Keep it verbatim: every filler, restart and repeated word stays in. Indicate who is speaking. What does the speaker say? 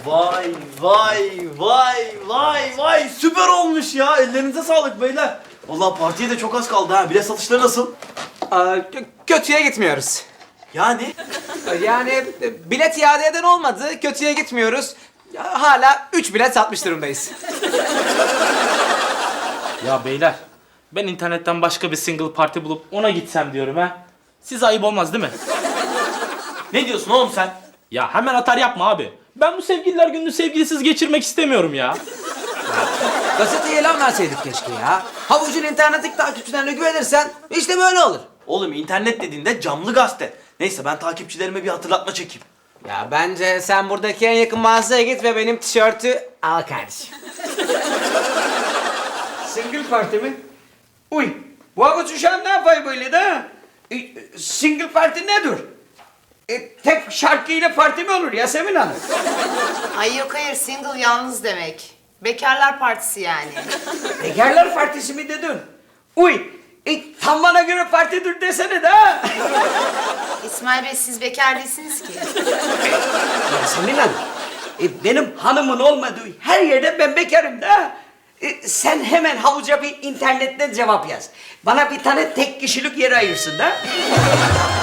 Speaker 1: Vay vay vay vay vay süper olmuş ya. Ellerinize sağlık beyler. Vallahi partiye de çok az kaldı ha. Bilet satışları nasıl?
Speaker 2: Aa, kö- kötüye gitmiyoruz.
Speaker 1: Yani
Speaker 2: Yani e, bilet iade eden olmadı, kötüye gitmiyoruz. Ya, hala üç bilet satmış durumdayız.
Speaker 3: Ya beyler, ben internetten başka bir single parti bulup ona gitsem diyorum ha. Size ayıp olmaz değil mi?
Speaker 1: ne diyorsun oğlum sen?
Speaker 3: Ya hemen atar yapma abi. Ben bu sevgililer gününü sevgilisiz geçirmek istemiyorum ya.
Speaker 2: Gazeteye ilan verseydik keşke ya. Havucun internetteki takipçilerine güvenirsen işte böyle olur.
Speaker 1: Oğlum internet dediğinde camlı gazete. Neyse ben takipçilerime bir hatırlatma çekeyim.
Speaker 2: Ya bence sen buradaki en yakın mağazaya git ve benim tişörtü al kardeşim.
Speaker 4: Single parti mi? Uy, bu avuç uşağım ne yapayım böyle de? E, single parti nedir? E, tek şarkıyla parti mi olur Yasemin Hanım?
Speaker 5: Ay yok hayır, single yalnız demek. Bekarlar partisi yani.
Speaker 4: Bekarlar partisi mi dedin? Uy, e, tam bana göre partidir desene de.
Speaker 5: İsmail Bey, siz bekar değilsiniz ki.
Speaker 4: Yasemin Hanım, e, benim hanımın olmadığı her yerde ben bekarım da. E, sen hemen havuca bir internetten cevap yaz. Bana bir tane tek kişilik yer ayırsın da.